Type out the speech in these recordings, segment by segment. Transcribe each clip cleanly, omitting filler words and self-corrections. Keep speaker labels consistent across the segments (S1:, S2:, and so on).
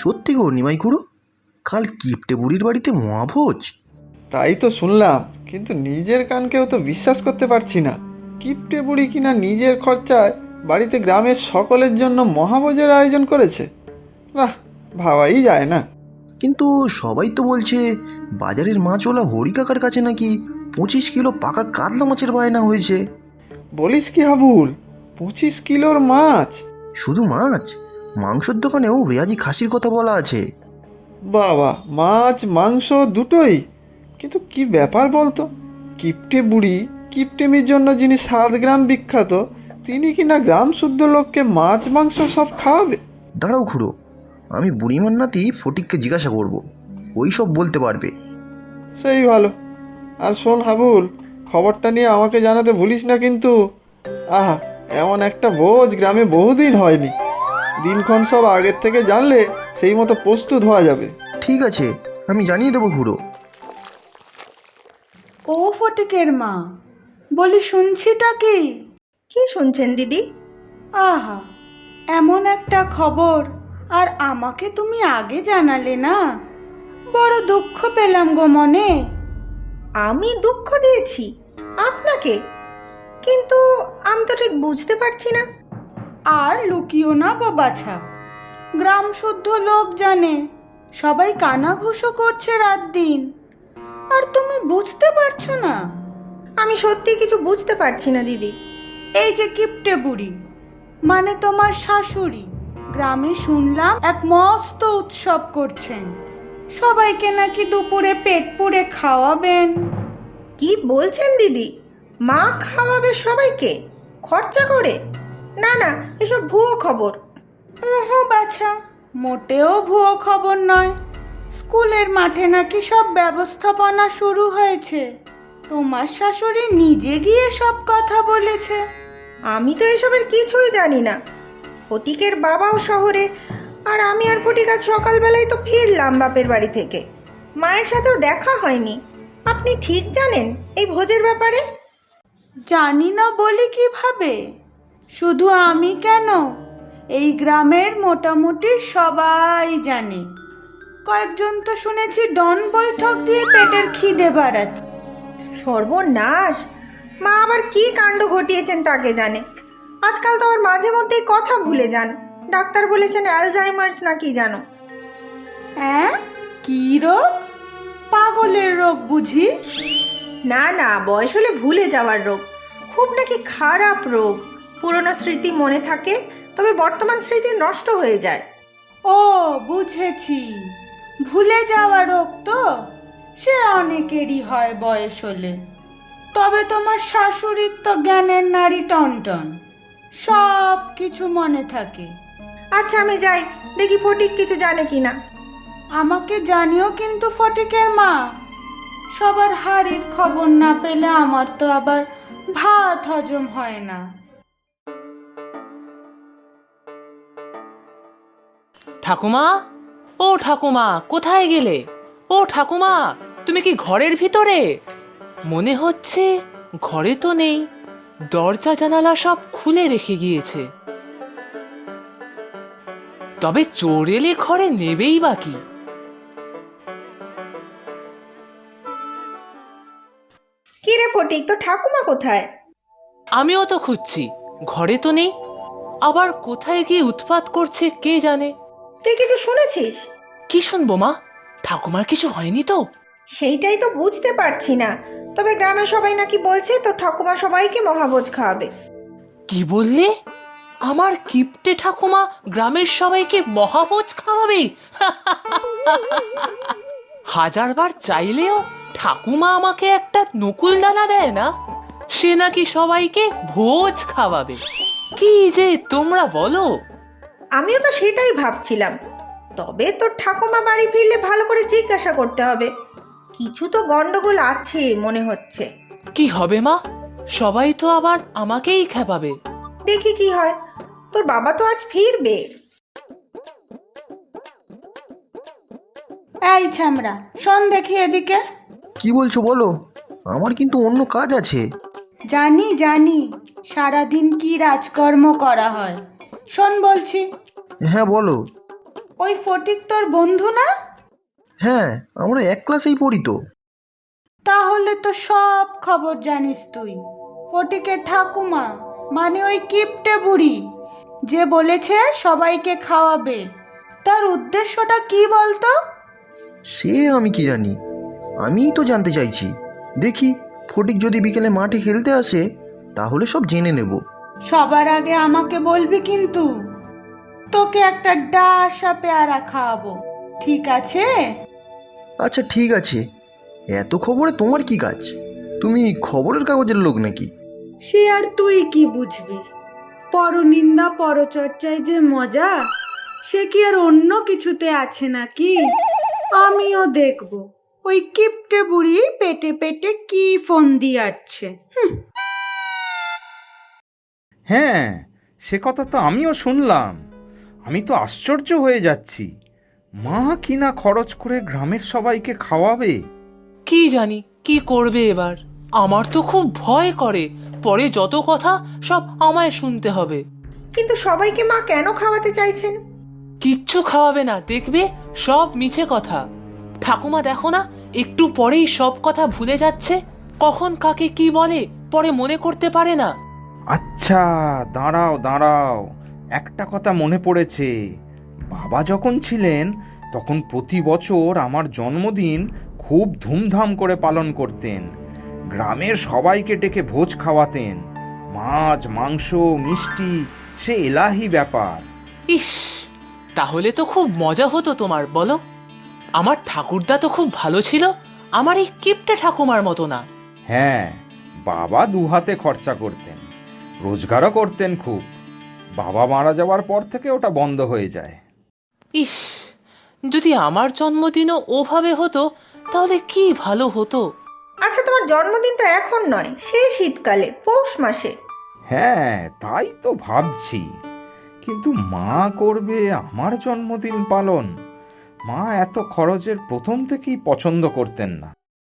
S1: সত্যি গো নিমাই খুড়ো, কাল কিপটে বুড়ির বাড়িতে মহাভোজ?
S2: তাই তো শুনলাম, কিন্তু নিজের কানকেও তো বিশ্বাস করতে পারছি না। কিপটে বুড়ি কিনা নিজের খরচায় বাড়িতে গ্রামের সকলের জন্য মহাভোজের আয়োজন করেছে। না, ভাবাই যায় না।
S1: কিন্তু সবাই তো বলছে বাজারের মাছওয়ালা হরি কাকার কাছে নাকি 25 কিলো পাকা কাতলা মাছের বায়না হয়েছে।
S2: বলিস কি হাবুল, 25 কিলোর মাছ?
S1: শুধু মাছ, মাংসের দোকানেও রেয়াজি খাসির কথা বলা আছে।
S2: বাবা, মাছ মাংস দুটোই? কিন্তু কি ব্যাপার বলতো, কিপটে বুড়ি কিপটেমির জন্য যিনি 7 গ্রাম বিখ্যাত, তিনি কিনা গ্রাম শুদ্ধ লোককে মাছ মাংস সব খাওয়াবে?
S1: দাঁড়াও খুড়ো, আমি বুড়িমার নাতি ফটিককে জিজ্ঞাসা করব, ওই সব বলতে পারবে।
S2: সেই ভালো। আর শোন হাবুল, খবরটা নিয়ে আমাকে জানাতে ভুলিস না কিন্তু। আহা, এমন একটা ভোজ গ্রামে বহুদিন হয়নি। দিনক্ষণ সব আগের থেকে জানলে সেই মতো প্রস্তুত হওয়া যাবে।
S1: ঠিক আছে, আমি জানিয়ে দেবো খুড়ো।
S3: ও ফটিকের মা, বলি শুনছিটা কি?
S4: কি শুনছেন দিদি?
S3: আহা, এমন একটা খবর, আর আমাকে তুমি আগে জানালে না। বড় দুঃখ পেলাম গো মনে।
S4: আমি দুঃখ দিয়েছি আপনাকে? কিন্তু আমি তো ঠিক বুঝতে পারছি না।
S3: আর লুকিও না গো বাছা, গ্রাম শুদ্ধ লোক জানে, সবাই কানাঘুষো করছে রাত দিন, আর তুমি বুঝতে পারছো না?
S4: আমি সত্যি কিছু বুঝতে পারছি না দিদি।
S3: এই যে কিপটে বুড়ি, মানে তোমার শাশুড়ি, গ্রামে শুনলাম এক মস্ত উৎসব করছেন, সবাইকে নাকি দুপুরে পেট পুড়ে খাওয়াবেন।
S4: কি বলছেন দিদি? মা খাওয়াবে সবাইকে খরচা করে? না না, এসব ভুয়ো খবর।
S3: উহু বাছা, মোটেও ভুয়ো খবর নয়। স্কুলের মাঠে নাকি সব ব্যবস্থাপনা শুরু হয়েছে, তোমার শাশুড়ি নিজে গিয়ে সব কথা বলেছে।
S4: আমি তো এসবের কিছুই জানি না। ফটিকের বাবাও শহরে, আর আমি আর ফটিক আজ সকালবেলায় তো ফিরলাম বাপের বাড়ি থেকে। মায়ের সাথেও দেখা হয়নি। আপনি ঠিক জানেন এই ভোজের ব্যাপারে?
S3: জানি না বলি কিভাবে, শুধু আমি কেন, এই গ্রামের মোটামুটি সবাই জানে। কয়েকজন তো শুনেছি ডন বৈঠক দিয়ে পেটের খিদে বাড়াচ্ছে।
S4: সর্বনাশ! মা আবার কি কাণ্ড ঘটিয়েছেন তাকে জানে। আজকাল তো আবার মাঝে মধ্যেই কথা ভুলে যান। ডাক্তার বলেছেন অ্যালজাইমার্স নাকি জানো।
S3: হ্যাঁ, কি রোগ? পাগলের রোগ বুঝি?
S4: না না, বয়স হলে ভুলে যাওয়ার রোগ। খুব নাকি খারাপ রোগ। পুরনো স্মৃতি মনে থাকে, তবে বর্তমান স্মৃতি নষ্ট হয়ে যায়।
S3: ও বুঝেছি, ভুলে যাওয়া রোগ তো, সে অনেকেরই হয় বয়স হলে। তবে তোমার শাশুড়ির তো জ্ঞানের নাড়ি টনটন, সব কিছু মনে থাকে।
S4: আচ্ছা, আমি যাই, দেখি ফটিক কিছু জানে কিনা।
S3: আমাকে জানিও কিন্তু ফটিকের মা, সবার হাড়ির খবর না পেলে আমার তো আবার ভাত হজম হয় না।
S5: ঠাকুমা, ও ঠাকুমা, কোথায় গেলে? ও ঠাকুমা, তুমি কি ঘরের ভিতরে? মনে হচ্ছে ঘরে তো নেই, দরজা জানালা সব খুলে রেখে গিয়েছে। তবে চোর এলে ঘরে নেবেই বা কি?
S4: কি রে ফটিক, তো ঠাকুমা কোথায়?
S5: আমিও তো খুঁজছি, ঘরে তো নেই। আবার কোথায় গিয়ে উৎপাত করছে কে জানে।
S4: তুই কিছু শুনেছিস?
S5: কি শুনবো মা? ঠাকুমার কিছু হয়নি তো?
S4: সেইটাই তো বুঝতে পারছি না। তবে গ্রামের সবাই নাকি বলছে তো ঠাকুমা সবাইকে মহাভোজ খাওয়াবে।
S5: কি বললে? আমার কিপ্টে ঠাকুমা গ্রামের সবাইকে মহাভোজ খাওয়াবে? হাজারবার চাইলেও ঠাকুমা আমাকে একটা নকুল দানা দেয় না, সে নাকি সবাইকে ভোজ খাওয়াবে। কি যে তোমরা বলো!
S4: আমিও তো সেটাই ভাবছিলাম। তবে তোর ঠাকুমা বাড়ি ফিরলে ভালো করে জিজ্ঞাসা করতে হবে। কিছু তো গন্ডগোল আছে মনে হচ্ছে।
S5: কি হবে মা? সবাই তো আবার আমাকেই খেপাবে।
S4: দেখি কি হয়। তোর বাবা তো আজ ফিরবে।
S3: এই ছামড়া, শোন দেখি এদিকে।
S1: কি বলছো বলো, আমার কিন্তু অন্য কাজ আছে।
S3: জানি জানি, সারাদিন কি রাজকর্ম করা হয়। শোন বলছি,
S1: হ্যাঁ বলো।
S3: ওই ফটিক তোর বন্ধু না?
S1: হ্যাঁ, আমরা এক ক্লাসেই পড়ি তো।
S3: তাহলে তো সব খবর জানিস তুই। ফটিকের ঠাকুমা মানে ওই কিপটে বুড়ি যে বলেছে সবাইকে খাওয়াবে, তার উদ্দেশ্যটা কি বলতো?
S1: সে আমি কি জানি, আমিই তো জানতে চাইছি। দেখি ফটিক যদি বিকেলে মাঠে খেলতে আসে তাহলে সব জেনে নেব।
S3: সবার আগে আমাকে বলবি কিন্তু। তোকে একটা ডাসা পেয়ারা খাওয়াবো, ঠিক আছে?
S1: আচ্ছা ঠিক আছে, এত খবরে তোমার কি কাজ? তুমি খবরের কাগজের লোক নাকি?
S3: সে আর তুই কি বুঝবি? পরনিন্দা পরচর্চায় যে মজা, সে কি আর অন্য কিছুতে আছে নাকি? আমিও দেখব ওই কিপটে বুড়ি পেটে পেটে কি ফোন দিয়াচ্ছে।
S6: হ্যাঁ, সে কথা তো আমিও শুনলাম। আমি তো আশ্চর্য হয়ে যাচ্ছি। মা কিনা খরচ করে গ্রামের সবাইকে খাওয়াবে।
S5: কি জানি কি করবে এবার। আমার তো খুব ভয় করে, পরে যত কথা সব আমায় শুনতে হবে।
S4: কিন্তু সবাইকে মা কেন খাওয়াতে চাইছেন?
S5: কিচ্ছু খাওয়াবে না, দেখবে সব মিছে কথা। ঠাকুমা দেখো না, একটু পরেই সব কথা ভুলে যাচ্ছে। কখন কাকে কি বলে পরে মনে করতে পারে না।
S6: আচ্ছা, দাঁড়াও দাঁড়াও, একটা কথা মনে পড়েছে। বাবা যখন ছিলেন তখন প্রতি বছর আমার জন্মদিন খুব ধুমধাম করে পালন করতেন। গ্রামের সবাইকে ডেকে ভোজ খাওয়াতেন। মাছ, মাংস, মিষ্টি, সে এলাহি ব্যাপার।
S5: ইস, তাহলে তো খুব মজা হতো তোমার, বলো? আমার ঠাকুরদা তো খুব ভালো ছিল, আমার এই কিপটে ঠাকুমার মতো না।
S6: হ্যাঁ, বাবা দুহাতে খরচা করতেন, রোজগারও করতেন খুব। বাবা মারা যাওয়ার পর থেকে ওটা বন্ধ হয়ে যায়।
S5: ইস, যদি আমার জন্মদিনও ওভাবে হতো তাহলে কি ভালো হতো।
S4: আচ্ছা, তোমার জন্মদিন তো এখন নয়, সেই শীতকালে পৌষ মাসে।
S6: হ্যাঁ, তাই তো ভাবছি। কিন্তু মা করবে আমার জন্মদিন পালন? মা এত খরচের প্রথম থেকেই পছন্দ করতেন না।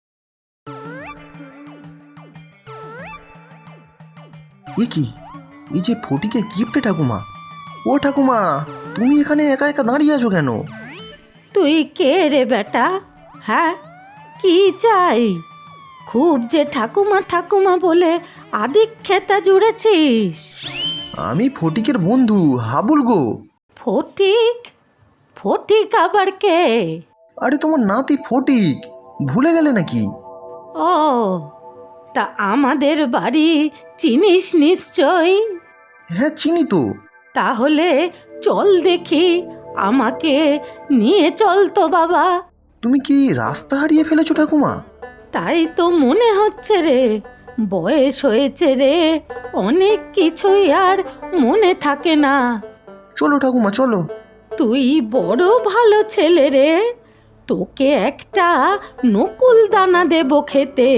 S1: এ কি, এই যে ফটিকে কিপটে ঠাকুমা। ও ঠাকুমা, তুমি এখানে একা একা দাঁড়িয়ে আছো কেন?
S7: তুই কে রে বেটা? হ্যাঁ, কি চাই? খুব যে ঠাকুমা ঠাকুমা বলে আদিক্ষেতা জুড়েছিস।
S1: আমি ফটিকের বন্ধু হাবুল গো।
S7: ফটিক? ফটিক আবার কে?
S1: আরে তোমার নাতি ফটিক, ভুলে গেলে নাকি?
S7: ও, তা আমাদের বাড়ি চিনিস নিশ্চয়?
S1: হ্যাঁ চিনি তো।
S7: তাহলে চল দেখি, আমাকে নিয়ে চল তো বাবা।
S1: তুমি কি রাস্তা হারিয়ে ফেলেছো ঠাকুমা?
S7: তাই তো মনে হচ্ছে রে, বয়স হয়েছে রে, অনেক কিছুই আর মনে থাকে না।
S1: চলো ঠাকুমা চলো।
S7: তুই বড় ভালো ছেলে রে, তোকে একটা নকুল দানা দেব খেতে।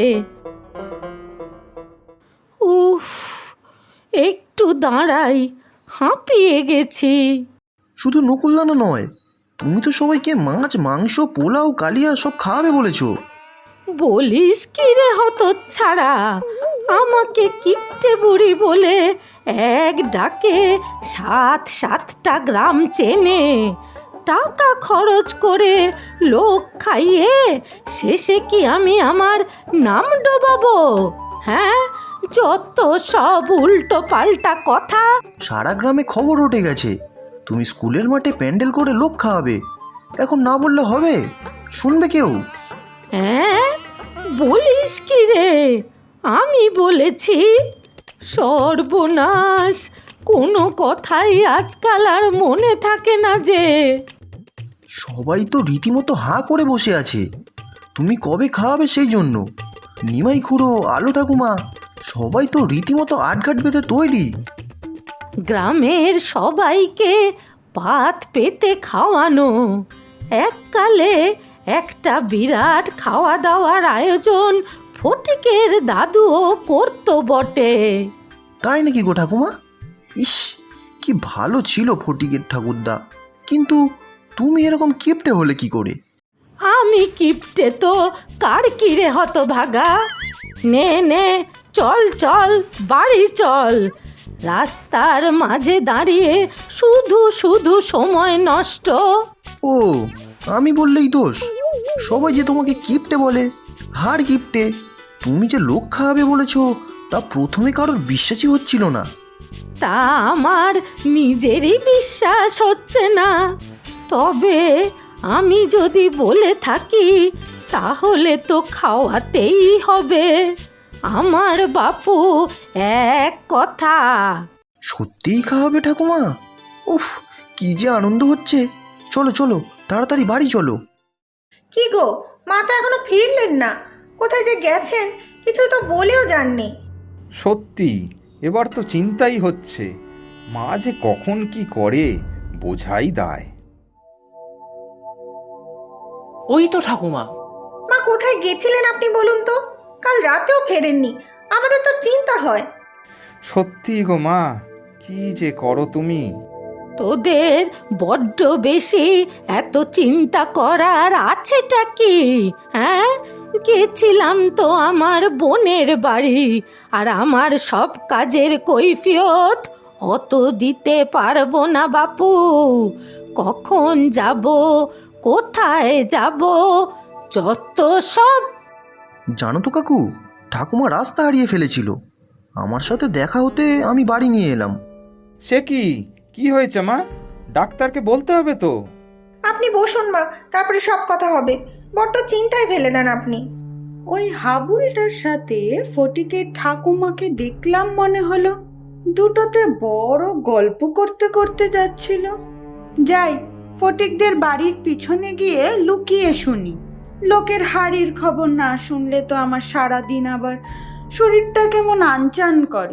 S7: উফ, একটু দাঁড়াই, হাঁপিয়ে গেছি।
S1: শুধু নকুলদানা নয়, তুমি তো সবাইকে মাছ, মাংস, পোলাও, কালিয়া সব খাওয়াবে বলেছো।
S7: বলিস কি রে হতচ্ছাড়া, আমাকে কিপটে বুড়ি বলে এক ডাকে 7-7টা গ্রাম চেনে, টাকা খরচ করে লোক খাইয়ে শেষে কি আমি আমার নাম ডোবাবো? হ্যাঁ, যত সব উল্টো পাল্টা কথা।
S1: সারা গ্রামে খবর উঠে গেছে তুমি স্কুলের মাঠে প্যান্ডেল করে লোক খাওয়াবে। এখন না বললে হবে? শুনবে কেউ?
S7: হ্যাঁ, বলিস কি রে, আমি বলেছি? সর্বনাশ, কোনো কথাই আজকাল আর মনে থাকে না যে।
S1: সবাই তো রীতিমতো হাঁ করে বসে আছে তুমি কবে খাওয়াবে সেই জন্য। নিমাই খুড়ো, আলো ঠাকুমা, সবাই তো রীতিমতো আটঘাট বেঁধে তৈরি।
S7: গ্রামের সবাইকে পাত পেতে খাওয়ানো, এককালে একটা বিরাট খাওয়া দাওয়ার আয়োজন ফটিকের দাদুও করতো বটে।
S1: তাই নাকি গো ঠাকুমা? ইস, কি ভালো ছিল ফটিকের ঠাকুরদা। কিন্তু তুমি এরকম কিপটে হলে কি করে?
S7: আমি কিপটে তো কার কিরে হতভাগা। নে নে, চল চল, বাড়ি চল। রাস্তার মাঝে দাঁড়িয়ে শুধু শুধু সময় নষ্ট।
S1: ও, আমি বললেই দোষ? সবাই যে তোমাকে কিপটে বলে, হার কিপটে। তুমি যে লোক খাওয়াবে বলেছো তা প্রথমে কারোর বিশ্বাসই হচ্ছিল না।
S7: তা আমার নিজেরই বিশ্বাস হচ্ছে না। তবে আমি যদি বলে থাকি তাহলে তো খাওয়াতেই হবে। আমার বাপু এক কথা।
S1: সত্যিই খাওয়াবে ঠাকুমা? উফ, কি যে আনন্দ হচ্ছে। চলো চলো, তাড়াতাড়ি বাড়ি চলো।
S4: কি গো, মা তো এখনো ফিরলেন না। কোথায় যে গেছেন কিছু তো বলেও যাননি।
S6: সত্যি এবার তো চিন্তাই হচ্ছে, মা যে কখন কি করে বোঝাই দায়।
S5: ওই তো ঠাকুমা।
S4: মা কোথায় গেছিলেন আপনি বলুন তো? কাল রাতেও ফেরেননি, আমাদের তো চিন্তা হয়।
S6: সত্যি গো মা, কি যে করো তুমি।
S7: তোদের বড্ড বেশি এত চিন্তা করার আছেটা কি? হ্যাঁ, গেছিলাম তো আমার বোনের বাড়ি, আর আমার সব কাজের কৈফিয়ত অত দিতে পারবো না বাপু। কখন যাব, কোথায় যাব, যত সব।
S1: জানো তো কাকু, ঠাকুমা রাস্তা হারিয়ে ফেলেছিল। আমার সাথে দেখা হতে আমি বাড়ি নিয়ে এলাম।
S6: সে কি, কি হয়েছে মা? ডাক্তারকে বলতে হবে তো।
S4: আপনি বসুন মা, তারপরে সব কথা হবে। বড্ড চিন্তায় ফেলে দেন আপনি।
S3: ওই হাবুলটার সাথে ফটিকের ঠাকুমাকে দেখলাম মনে হলো। দুটোতে বড় গল্প করতে করতে যাচ্ছিল। যাই, ফটিকদের বাড়ির পিছনে গিয়ে লুকিয়ে শুনি। লোকের হাড়ির খবর না শুনলে তো আমার সারাদিন আবার শরীরটা কেমন আনচান করে।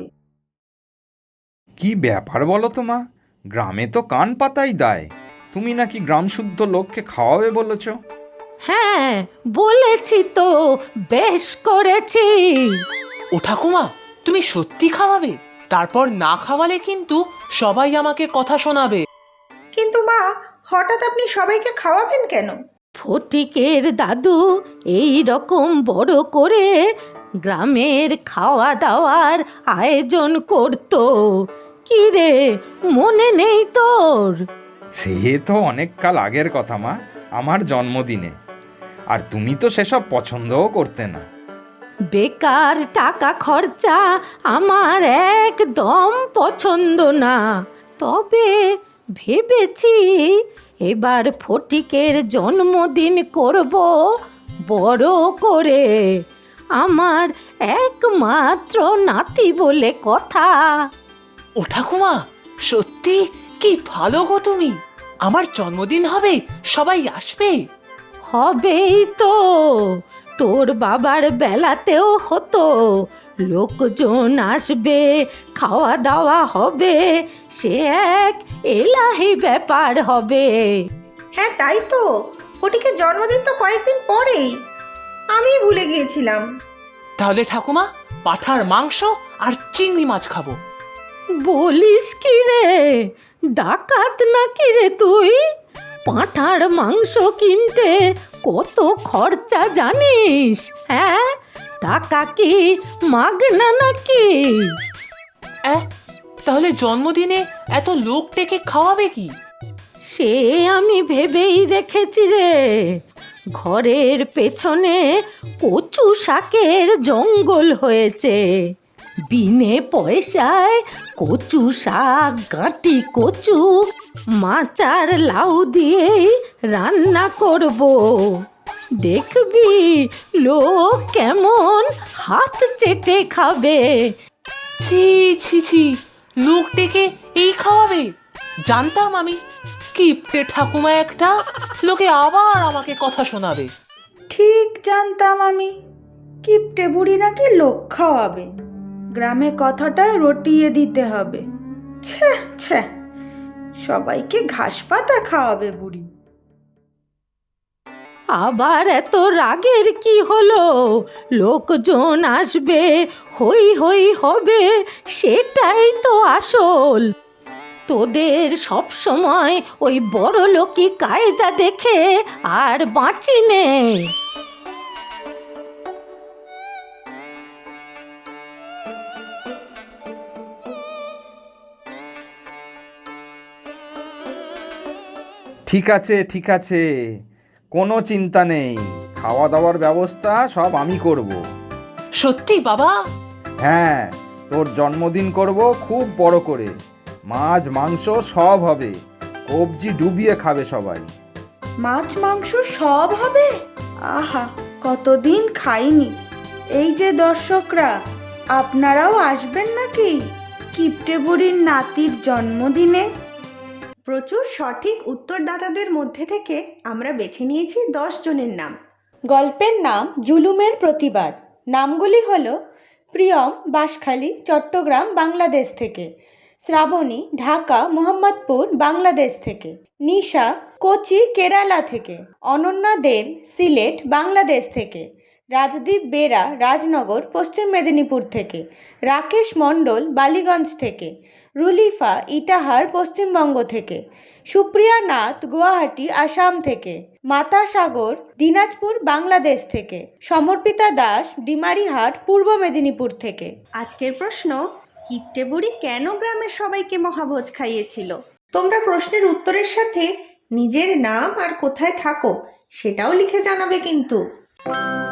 S6: কি ব্যাপার বলো তো মা, গ্রামে তো কান পাতাই দায়। তুমি নাকি গ্রাম শুদ্ধ লোককে খাওয়াবে বলেছ।
S7: হ্যাঁ, বলেছি তো, বেশ করেছি।
S5: ও ঠাকুমা, তুমি সত্যি খাওয়াবে? তারপর না খাওয়ালে কিন্তু সবাই আমাকে কথা শোনাবে।
S4: কিন্তু মা, হঠাৎ আপনি সবাইকে খাওয়াবেন কেন?
S7: ফটিকের দাদু এই রকম বড় করে গ্রামের খাওয়া দাওয়ার আয়োজন করত। কি রে, মনে নেই তোর?
S6: সে তো অনেক কাল আগের কথা মা, আমার জন্মদিনে। আর তুমি তো সেসব পছন্দও করতে না।
S7: বেকার টাকা খরচা আমার একদম পছন্দ না। তবে ভেবেছি এবার ফটিকের জন্মদিন করব বড় করে। আমার একমাত্র নাতি বলে কথা।
S5: ও ঠাকুমা, সত্যি কি ভালো গো তুমি। আমার জন্মদিন হবে, সবাই আসবে।
S7: হবেই তো, তোর বাবার বেলাতেও হতো। লোকজন আসবে, খাওয়া দাওয়া হবে, সে এক এলাহি ব্যাপার হবে।
S4: হ্যাঁ তাই তো, ফটিকের জন্মদিন তো কয়েকদিন পরেই। আমি ভুলে গিয়েছিলাম।
S5: তাহলে ঠাকুমা, পাঁঠার মাংস আর চিংড়ি মাছ খাবো।
S7: বলিস কি রে, ডাকাত নাকি রে তুই? পাঁঠার মাংস কিনতে কত খরচা জানিস? হ্যাঁ, টাকা কি মাগনা নাকি?
S5: তাহলে জন্মদিনে এত লোক ডেকে খাওয়াবে কি?
S7: সে আমি ভেবেই রেখেছি রে। ঘরের পেছনে কচু শাকের জঙ্গল হয়েছে। বিনে পয়সায় কচু শাক, গাঁটি কচু, মাছ আর লাউ দিয়েই রান্না করব। দেখবি লোক কেমন হাত চেটে খাবে।
S5: ছি ছি ছি, লোক ডেকে এই খাওয়াবে? জানতাম আমি, কিপটে ঠাকুমা একটা, লোকে আবার আমাকে কথা শোনাবে।
S3: ঠিক জানতাম আমি, কিপটে বুড়ি নাকি লোক খাওয়াবে। গ্রামে কথাটায় রটিয়ে দিতে হবে। ছ্যা ছ্যা, সবাইকে ঘাস পাতা খাওয়াবে বুড়ি।
S7: আবার এত রাগের কি হলো? লোকজন আসবে, হই হই হবে, সেটাই তো আসল। তোদের সব সময় ওই বড় লোকি কায়দা দেখে আর বাঁচি নে।
S6: ঠিক আছে ঠিক আছে, কোনো চিন্তা নেই, খাওয়া দাওয়ার ব্যবস্থা সব আমি করব।
S5: সত্যি বাবা?
S6: হ্যাঁ, তোর জন্মদিন করব খুব বড় করে, মাছ মাংস সব হবে, কবজি ডুবিয়ে খাবে সবাই।
S3: মাছ মাংস সব হবে? আহা, কতদিন খাইনি। এই যে দর্শকরা, আপনারাও আসবেন নাকি কিপ্টে বুড়ির নাতির জন্মদিনে?
S4: প্রচুর সঠিক উত্তরদাতাদের মধ্যে থেকে আমরা বেছে নিয়েছি 10 জনের নাম।
S3: গল্পের নাম জুলুমের প্রতিবাদ। নামগুলি হলো প্রিয়ম, বাঁশখালী, চট্টগ্রাম, বাংলাদেশ থেকে; শ্রাবণী, ঢাকা, মোহাম্মদপুর, বাংলাদেশ থেকে; নিশা, কোচি, কেরালা থেকে; অনন্যা দেব, সিলেট, বাংলাদেশ থেকে; রাজদীপ বেরা, রাজনগর, পশ্চিম মেদিনীপুর থেকে; রাকেশ মণ্ডল, বালিগঞ্জ থেকে; রুলিফা, ইটাহার, পশ্চিমবঙ্গ থেকে; সুপ্রিয়া নাথ, গুয়াহাটি, আসাম থেকে; মাতা সাগর, দিনাজপুর, বাংলাদেশ থেকে; সমর্পিতা দাস, ডিমারিহাট, পূর্ব মেদিনীপুর থেকে।
S4: আজকের প্রশ্ন, কিপ্টে বুড়ি কেন গ্রামের সবাইকে মহাভোজ খাইয়েছিল? তোমরা প্রশ্নের উত্তরের সাথে নিজের নাম আর কোথায় থাকো সেটাও লিখে জানাবে কিন্তু।